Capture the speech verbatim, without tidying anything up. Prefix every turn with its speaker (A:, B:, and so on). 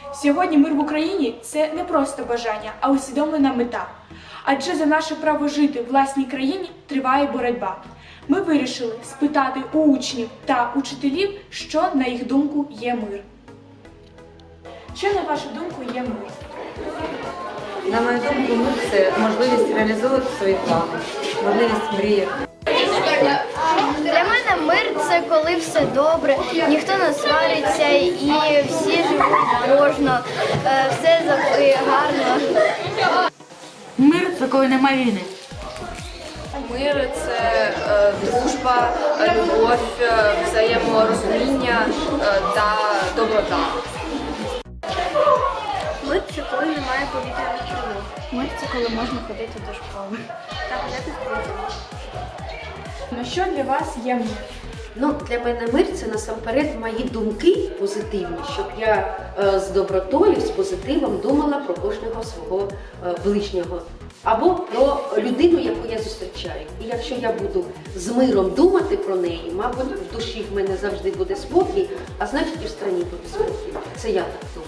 A: Сьогодні мир в Україні – це не просто бажання, а усвідомлена мета. Адже за наше право жити в власній країні триває боротьба. Ми вирішили спитати у учнів та учителів, що, на їх думку, є мир. Що, на вашу думку, є мир?
B: На мою думку, мир – це можливість реалізовувати свої плани, можливість мріяти.
C: Для мене мир – це коли все добре, ніхто не свариться і всі живуть дружно, е, все завжди гарно.
D: Мир – це коли немає війни.
E: Мир – це е, дружба, любов, е, взаєморозуміння е, та доброта.
C: Мир – це коли немає повітряних тривог.
A: Мир – це коли можна ходити до школи.
C: Та гуляти з друзями.
A: Ну що для вас є мир?
F: Ну, для мене мир – це насамперед мої думки позитивні, щоб я е, з добротою, з позитивом думала про кожного свого е, ближнього. Або про людину, яку я зустрічаю. І якщо я буду з миром думати про неї, мабуть, в душі в мене завжди буде спокій, а значить і в країні буде спокій. Це я так думаю.